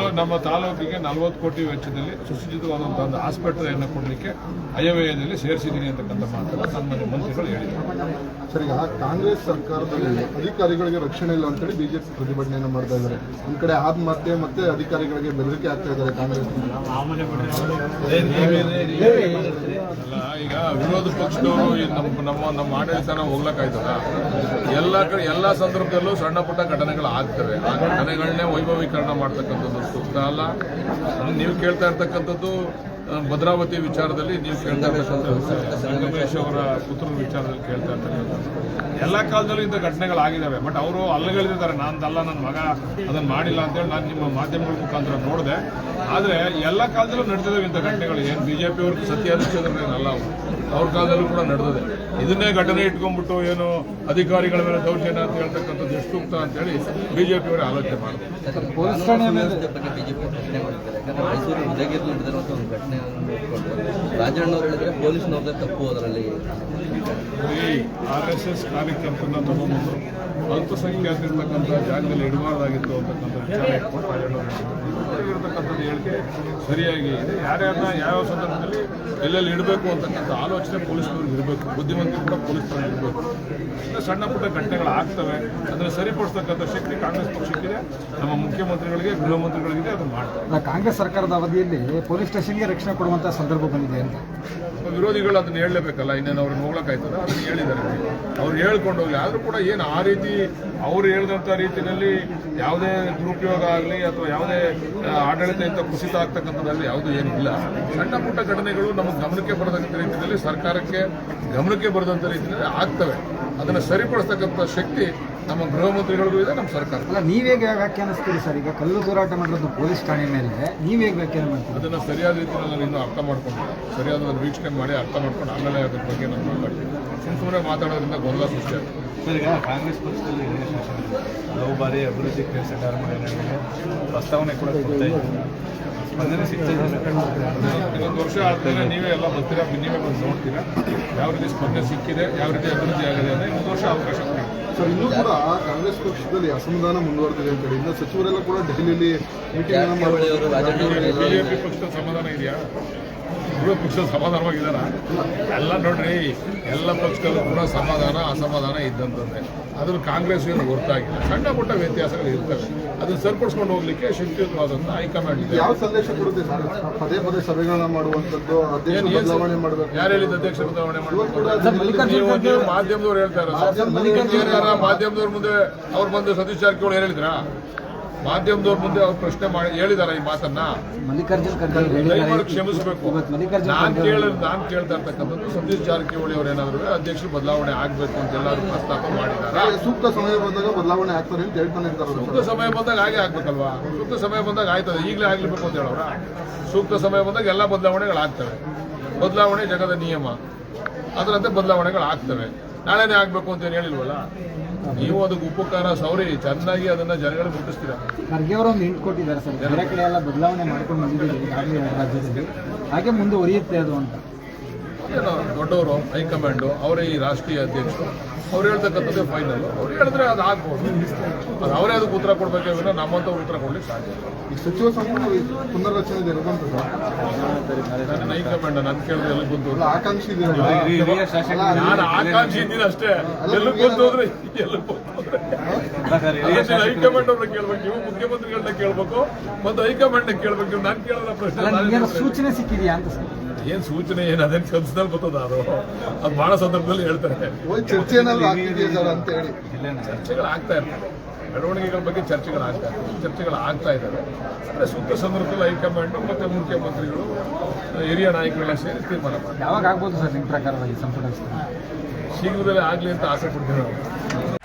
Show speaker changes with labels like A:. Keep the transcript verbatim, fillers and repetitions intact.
A: ನಮ್ಮ ತಾಲೂಕಿಗೆ ನಲವತ್ತು ಕೋಟಿ ವೆಚ್ಚದಲ್ಲಿ ಸುಸಜ್ಜಿತವಾದಂತಹ ಒಂದು ಆಸ್ಪತ್ರೆಯನ್ನು ಕೊಡಲಿಕ್ಕೆ ಅಯವ್ಯಯದಲ್ಲಿ ಸೇರಿಸಿದ್ದೀನಿ ಅಂತಕ್ಕಂಥ ಮಾತನ್ನು ಸನ್ಮಾನ್ಯ ಮಂತ್ರಿಗಳು ಹೇಳಿದ್ದಾರೆ.
B: ಸರ್, ಈಗ ಕಾಂಗ್ರೆಸ್ ಸರ್ಕಾರದಲ್ಲಿ ಅಧಿಕಾರಿಗಳಿಗೆ ರಕ್ಷಣೆ ಇಲ್ಲ ಅಂತೇಳಿ ಬಿಜೆಪಿ ಪ್ರತಿಭಟನೆಯನ್ನು ಮಾಡ್ತಾ ಇದ್ದಾರೆ. ಒಂದ್ ಕಡೆ ಆತ್ಮಹತ್ಯೆ ಮತ್ತೆ ಅಧಿಕಾರಿಗಳಿಗೆ ಬೆದರಿಕೆ ಆಗ್ತಾ ಇದ್ದಾರೆ ಕಾಂಗ್ರೆಸ್.
A: ಅಲ್ಲ, ಈಗ ವಿರೋಧ ಪಕ್ಷದವರು ನಮ್ಮ ನಮ್ಮ ನಮ್ಮ ಆಡಳಿತನ ಹೋಗ್ಲಕ್ಕಾಯ್ತದ? ಎಲ್ಲ ಕಡೆ ಎಲ್ಲ ಸಂದರ್ಭದಲ್ಲೂ ಸಣ್ಣ ಪುಟ್ಟ ಘಟನೆಗಳು ಆಗ್ತವೆ. ಆ ಘಟನೆಗಳನ್ನೇ ವೈಭವೀಕರಣ ಮಾಡ್ತಕ್ಕಂಥದ್ದು ಸೂಕ್ತ ಅಲ್ಲ. ನೀವು ಕೇಳ್ತಾ ಇರ್ತಕ್ಕಂಥದ್ದು ಭದ್ರಾವತಿ ವಿಚಾರದಲ್ಲಿ, ನೀವು ಕೇಳ್ತಾ ಇರ್ತಕ್ಕಂಥದ್ದು ಸಂಗಮೇಶ್ ಅವರ ಪುತ್ರರ ವಿಚಾರದಲ್ಲಿ ಕೇಳ್ತಾ ಇರ್ತಕ್ಕಂಥದ್ದು. ಎಲ್ಲ ಕಾಲದಲ್ಲೂ ಇಂಥ ಘಟನೆಗಳಾಗಿದ್ದಾವೆ. ಬಟ್ ಅವರು ಅಲ್ಲಗಳಿದ್ದಾರೆ, ನಾನದಲ್ಲ, ನನ್ನ ಮಗ ಅದನ್ನು ಮಾಡಿಲ್ಲ ಅಂತೇಳಿ ನಾನು ನಿಮ್ಮ ಮಾಧ್ಯಮಗಳ ಮುಖಾಂತರ ನೋಡಿದೆ. ಆದರೆ ಎಲ್ಲ ಕಾಲದಲ್ಲೂ ನಡೆದಿದ್ದಾವೆ ಇಂಥ ಘಟನೆಗಳು. ಏನು ಬಿಜೆಪಿ ಅವ್ರಿಗೆ ಸತ್ಯ ಹರಿಶ್ಚಂದ್ರನೇನಲ್ಲ, ಅವರು ಅವ್ರ ಕಾಲದಲ್ಲೂ ಕೂಡ ನಡೆದಿದೆ. ಇದನ್ನೇ ಘಟನೆ ಇಟ್ಕೊಂಡ್ಬಿಟ್ಟು ಏನು ಅಧಿಕಾರಿಗಳ ಮೇಲೆ ದೌರ್ಜನ್ಯ ಅಂತ ಹೇಳ್ತಕ್ಕಂಥದ್ದು ಎಷ್ಟು ಸೂಕ್ತ ಅಂತೇಳಿ ಬಿಜೆಪಿ ಅವರೇ ಆಲೋಚನೆ ಮಾಡ್ತಾರೆ.
C: ಪೊಲೀಸ್ ಠಾಣೆ ಬಗ್ಗೆ ಬಿಜೆಪಿ ಪ್ರಶ್ನೆ ಮಾಡ್ತಾರೆ. ಯಾಕಂದ್ರೆ ಮೈಸೂರು ಉದಯಗಿರಿ ನಡೆದಿರುವಂಥ ಒಂದು ಘಟನೆಯನ್ನು ಇಟ್ಕೊಂಡು ರಾಜಣ್ಣವ್ರು ಹೇಳಿದ್ರೆ ಪೊಲೀಸ್ನವ್ರದ್ದೇ ತಪ್ಪು ಅದರಲ್ಲಿ.
A: ಈ ಆರ್ ಎಸ್ ಎಸ್ ಕಾರ್ಯಕರ್ತರನ್ನ ತಗೊಂಡ್ಬಂದು ಅಲ್ಪಸಂಖ್ಯಾತರಿರ್ತಕ್ಕಂಥ ಜಾಗದಲ್ಲಿ ಇಡಬಾರ್ದಾಗಿತ್ತು ಅಂತಕ್ಕಂಥ ವಿಚಾರ ಇಟ್ಕೊಂಡು ರಾಜಣ್ಣವ್ರು ಇರತಕ್ಕಂಥದ್ದು ಹೇಳಿಕೆ ಸರಿಯಾಗಿ ಇದೆ. ಯಾರ್ಯಾರನ್ನ ಯಾವ ಸಂದರ್ಭದಲ್ಲಿ ಎಲ್ಲೆಲ್ಲಿ ಇಡಬೇಕು ಅಂತಕ್ಕಂಥ ಆಲೋಚನೆ ಪೊಲೀಸ್ನವ್ರಿಗೆ ಇರಬೇಕು, ಬುದ್ಧಿವಂತಿಕೆ ಕೂಡ ಪೊಲೀಸ್ನವ್ರಿಗೆ ಇರಬೇಕು. ಸಣ್ಣ ಪುಟ್ಟ ಘಟನೆಗಳು ಆಗ್ತವೆ, ಅದನ್ನು ಸರಿಪಡಿಸ್ತಕ್ಕಂಥ ಶಕ್ತಿ ಕಾಂಗ್ರೆಸ್ ಪಕ್ಷಕ್ಕಿದೆ, ನಮ್ಮ ಮುಖ್ಯಮಂತ್ರಿಗಳಿಗೆ, ಗೃಹ ಮಂತ್ರಿಗಳಿಗಿದೆ. ಅದನ್ನು ಮಾಡ್ತಾರೆ.
C: ಕಾಂಗ್ರೆಸ್ ಸರ್ಕಾರದ ಅವಧಿಯಲ್ಲಿ ಪೊಲೀಸ್ ಸ್ಟೇಷನ್ಗೆ ರಕ್ಷಣೆ ಕೊಡುವಂತಹ ಸಂದರ್ಭ ಬಂದಿದೆ ಅಂತ
A: ವಿರೋಧಿಗಳು ಅದನ್ನು ಹೇಳಲೇಬೇಕಲ್ಲ, ಇನ್ನೇನು ಅವ್ರನ್ನ ಹೋಗ್ಲಕ್ಕಾಯ್ತದ? ಅದನ್ನು ಹೇಳಿದ್ದಾರೆ, ಅವ್ರು ಹೇಳ್ಕೊಂಡು ಹೋಗಿ. ಆದರೂ ಕೂಡ ಏನು ಆ ರೀತಿ ಅವ್ರು ಹೇಳಿದಂಥ ರೀತಿಯಲ್ಲಿ ಯಾವುದೇ ದುರುಪಯೋಗ ಆಗಲಿ ಅಥವಾ ಯಾವುದೇ ಆಡಳಿತದಿಂದ ಕುಸಿತ ಆಗ್ತಕ್ಕಂಥದ್ದಲ್ಲಿ ಯಾವುದೂ ಏನಿಲ್ಲ. ಸಣ್ಣ ಪುಟ್ಟ ಘಟನೆಗಳು ನಮಗೆ ಗಮನಕ್ಕೆ ಬರದಂಥ ರೀತಿಯಲ್ಲಿ, ಸರ್ಕಾರಕ್ಕೆ ಗಮನಕ್ಕೆ ಬರದಂಥ ರೀತಿಯಲ್ಲಿ ಆಗ್ತವೆ. ಅದನ್ನು ಸರಿಪಡಿಸ್ತಕ್ಕಂಥ ಶಕ್ತಿ ನಮ್ಮ ಗೃಹ ಮಂತ್ರಿಗಳಿಗೂ ಇದೆ, ನಮ್ಮ ಸರ್ಕಾರ.
C: ಅಲ್ಲ, ನೀವೇಗ ವ್ಯಾಖ್ಯಾನಿಸ್ತೀರಿ ಸರ್? ಈಗ ಕಲ್ಲು ತೂರಾಟ ಮಾಡಿರೋದು ಪೊಲೀಸ್ ಠಾಣೆ ಮೇಲೆ, ನೀವೇಗ ವ್ಯಾಖ್ಯಾನ ಮಾಡ್ತೀವಿ?
A: ಅದನ್ನು ಸರಿಯಾದ ರೀತಿಯಲ್ಲಿ ನಾನು ಇನ್ನೂ ಅರ್ಥ ಮಾಡ್ಕೊಂಡಿಲ್ಲ. ಸರಿಯಾದ ವೀಕ್ಷಣೆ ಮಾಡಿ ಅರ್ಥ ಮಾಡ್ಕೊಂಡು ಆಮೇಲೆ ಅದ್ರ ಬಗ್ಗೆ ನಾನು ಮಾತಾಡ್ತೀನಿ. ಸುಮ್ಮನೆ ಸುಮ್ಮನೆ ಮಾತಾಡೋದ್ರಿಂದ ಗೊಂದಲ ಸೃಷ್ಟಿ ಆಗುತ್ತೆ.
D: ಸರ್, ಈಗ ಕಾಂಗ್ರೆಸ್ ಪಕ್ಷದಲ್ಲಿ ಹಲವು ಬಾರಿ ಅಭಿವೃದ್ಧಿ ಕೆಲಸ ಪ್ರಸ್ತಾವನೆ ಕೂಡ ಕೊಡ್ತಾ ಇದ್ದೀವಿ, ಸ್ಪಂದನೆ ಸಿಗ್ತಾ ಇದೆ.
A: ಇನ್ನೊಂದು ವರ್ಷ ಆದ್ಮೇಲೆ ನೀವೇ ಎಲ್ಲ ಬರ್ತೀರಾ, ನೀವೇ ಬಂದು ನೋಡ್ತೀರಾ ಯಾವ ರೀತಿ ಸ್ಪಂದನೆ ಸಿಕ್ಕಿದೆ, ಯಾವ ರೀತಿ ಅಭಿವೃದ್ಧಿ ಆಗಿದೆ ಅಂದರೆ ಇನ್ನೊಂದು ವರ್ಷ ಅವಕಾಶ ಕೊಡಿ.
B: ಸರ್, ಇನ್ನೂ ಕೂಡ ಕಾಂಗ್ರೆಸ್ ಪಕ್ಷದಲ್ಲಿ ಅಸಮಾಧಾನ ಮುಂದುವರೆದಿದೆ ಅಂತ ಹೇಳಿ ಇನ್ನು ಸಚಿವರೆಲ್ಲ ಕೂಡ ದೆಹಲಿಯಲ್ಲಿ ಮೀಟಿಂಗ್ ಅನ್ನು ಮಾಡಿ.
A: ಬಿಜೆಪಿ ಪಕ್ಷದ ಸಮಾಧಾನ ಇದೆಯಾ? ಗೃಹ ಪಕ್ಷದ ಸಮಾಧಾನವಾಗಿದ್ದಾರ? ಎಲ್ಲ ನೋಡ್ರಿ, ಎಲ್ಲ ಪಕ್ಷದಲ್ಲೂ ಕೂಡ ಸಮಾಧಾನ ಅಸಮಾಧಾನ ಇದ್ದಂಥದ್ದೇ. ಅದ್ರಲ್ಲಿ ಕಾಂಗ್ರೆಸ್ ಏನು ಹೊರತಾಗಿಲ್ಲ. ಸಣ್ಣ ಪುಟ್ಟ ವ್ಯತ್ಯಾಸಗಳು ಇರ್ತವೆ, ಅದನ್ನು ಸರಿಪಡಿಸ್ಕೊಂಡು ಹೋಗ್ಲಿಕ್ಕೆ ಶಕ್ತಿಯುತವಾದಂಥ ಹೈಕಮಾಂಡ್ ಇದೆ.
B: ಯಾವ ಸಂದೇಶ ಕೊಡುತ್ತೆ ಸರ್? ಪದೇ ಪದೇ ಸಭೆಗಳನ್ನ ಮಾಡುವಂಥದ್ದು, ಅಧ್ಯಕ್ಷ ಬದಲಾವಣೆ ಮಾಡಬೇಕು.
A: ಯಾರು ಹೇಳಿದ ಅಧ್ಯಕ್ಷ ಬದಲಾವಣೆ ಮಾಡಬೇಕು? ನೀವು ಮಾಧ್ಯಮದವ್ರು ಹೇಳ್ತಾ ಇರೋದು. ಮಾಧ್ಯಮದವ್ರ ಮುಂದೆ ಅವ್ರು ಬಂದು ಸತೀಶ್ ಜಾರಕಿಹೊಳಿ ಹೇಳಿದ್ರಾ? ಮಾಧ್ಯಮದವ್ರ ಮುಂದೆ ಅವ್ರು ಪ್ರಶ್ನೆ ಮಾಡಿ ಹೇಳಿದಾರ ಈ ಮಾತನ್ನ?
C: ಮಲ್ಲಿಕಾರ್ಜುನ್
A: ಕ್ಷಮಿಸಬೇಕು. ನಾನ್ ಕೇಳ ನಾನ್ ಕೇಳ್ತಾ ಇರ್ತಕ್ಕಂಥದ್ದು ಸತೀಶ್ ಜಾರಕಿಹೊಳಿ ಅವ್ರು ಏನಾದ್ರು ಅಧ್ಯಕ್ಷರು ಬದಲಾವಣೆ ಆಗ್ಬೇಕು ಅಂತ ಎಲ್ಲರೂ ಪ್ರಸ್ತಾಪ ಮಾಡಿದ್ದಾರೆ.
B: ಸೂಕ್ತ ಸಮಯ ಬಂದಾಗ ಬದಲಾವಣೆ ಆಗ್ತಾರೆ ಅಂತ ಹೇಳ್ತಾನೆ ಇರ್ತಾರೆ.
A: ಸೂಕ್ತ ಸಮಯ ಬಂದಾಗ ಹಾಗೆ ಆಗ್ಬೇಕಲ್ವಾ? ಸೂಕ್ತ ಸಮಯ ಬಂದಾಗ ಆಯ್ತದೆ, ಈಗಲೇ ಆಗ್ಲಿಬೇಕು ಅಂತ ಹೇಳೋರ? ಸೂಕ್ತ ಸಮಯ ಬಂದಾಗ ಎಲ್ಲ ಬದಲಾವಣೆಗಳಾಗ್ತವೆ. ಬದಲಾವಣೆ ಜಗದ ನಿಯಮ, ಅದರಂತೆ ಬದಲಾವಣೆಗಳು ಆಗ್ತವೆ. ನಾಳೆನೇ ಆಗ್ಬೇಕು ಅಂತ ಏನು ಹೇಳಿಲ್ವಲ್ಲ? ನೀವು ಅದಕ್ಕೆ ಉಪಕಾರ ಸೌರಿ ಚೆನ್ನಾಗಿ ಅದನ್ನ ಜನಗಳಿಗೆ ಮುಟ್ಟಿಸ್ತೀರಾ.
C: ಖರ್ಗೆ ಅವರು ಒಂದು ಹಿಂಟ್ ಕೊಟ್ಟಿದ್ದಾರೆ ಸರ್, ಬೇರೆ ಕಡೆ ಎಲ್ಲ ಬದಲಾವಣೆ ಮಾಡ್ಕೊಂಡು ಬಂದಿದ್ದೀವಿ ಈಗಾಗಲೇ ರಾಜ್ಯದಲ್ಲಿ, ಹಾಗೆ ಮುಂದುವರಿಯುತ್ತೆ ಅದು ಅಂತ.
A: ಏನೋ ದೊಡ್ಡವರು ಹೈಕಮಾಂಡು, ಅವರೇ ಈ ರಾಷ್ಟ್ರೀಯ ಅಧ್ಯಕ್ಷರು, ಅವ್ರು ಹೇಳ್ತಕ್ಕಂಥದ್ದೇ ಫೈನಲ್. ಅವ್ರು ಹೇಳಿದ್ರೆ ಅದು ಆಗ್ಬೋದು, ಅದು ಅವರೇ ಅದಕ್ಕೆ ಉತ್ತರ ಕೊಡಬೇಕೇ ವಿನ ನಮ್ಮಂತ ಉತ್ತರ ಕೊಡ್ಲಿಕ್ಕೆ ಸಾಧ್ಯ ಇಲ್ಲ.
B: ಈ ಸಚಿವ ಸಂಪುಟ ಪುನರ್ರಚನೆ ಇರುವಂತ
A: ನನ್ನ ಹೈಕಮಾಂಡ್ ನನ್ ಕೇಳಿದ್ರೆ ಎಲ್ಲಿ ಬಂತು?
B: ಆಕಾಂಕ್ಷಿ ಇದೆ.
A: ನಾನು ಆಕಾಂಕ್ಷಿ ಇದ್ದೀನಿ ಅಷ್ಟೇ. ಎಲ್ಲ ಬಂತು ಅಂದ್ರೆ ಎಲ್ಲ ಹೈಕಮಾಂಡ್ ಅವ್ರನ್ನ ಕೇಳ್ಬೇಕು, ನೀವು ಮುಖ್ಯಮಂತ್ರಿಗಳನ್ನ ಕೇಳ್ಬೇಕು, ಮತ್ತು ಹೈಕಮಾಂಡ್ ಕೇಳ್ಬೇಕು. ನೀವು ನಾನು ಕೇಳಿದ ಪ್ರಶ್ನೆ
C: ಸೂಚನೆ ಸಿಕ್ಕಿದೆಯಾ ಅಂತ ಸರ್?
A: ಏನ್ ಸೂಚನೆ ಏನು ಅದೇನು ಕನ್ಸದಲ್ಲಿ ಬರ್ತದ? ಅದು ಅದು ಬಹಳ ಸಂದರ್ಭದಲ್ಲಿ ಹೇಳ್ತಾರೆ. ಚರ್ಚೆಗಳು ಆಗ್ತಾ ಇರ್ತವೆ, ಬೆಳವಣಿಗೆಗಳ ಬಗ್ಗೆ ಚರ್ಚೆಗಳಾಗ್ತಾ ಇರ್ತವೆ, ಚರ್ಚೆಗಳು ಆಗ್ತಾ ಇದ್ದಾವೆ. ಅಂದರೆ ಸೂಕ್ತ ಸಂದರ್ಭದಲ್ಲಿ ಹೈಕಮಾಂಡ್ ಮತ್ತು ಮುಖ್ಯಮಂತ್ರಿಗಳು, ಹಿರಿಯ ನಾಯಕರೆಲ್ಲ ಸೇರಿ ತೀರ್ಮಾನ ಮಾಡ್ತಾರೆ.
C: ಯಾವಾಗ ಆಗ್ಬೋದು ಸರ್ ನಿಮ್ಮ ಪ್ರಕಾರವಾಗಿ ಸಂಪುಟ?
A: ಶೀಘ್ರದಲ್ಲೇ ಆಗಲಿ ಅಂತ ಆಸೆ ಪಡ್ತೀವಿ ನಾವು.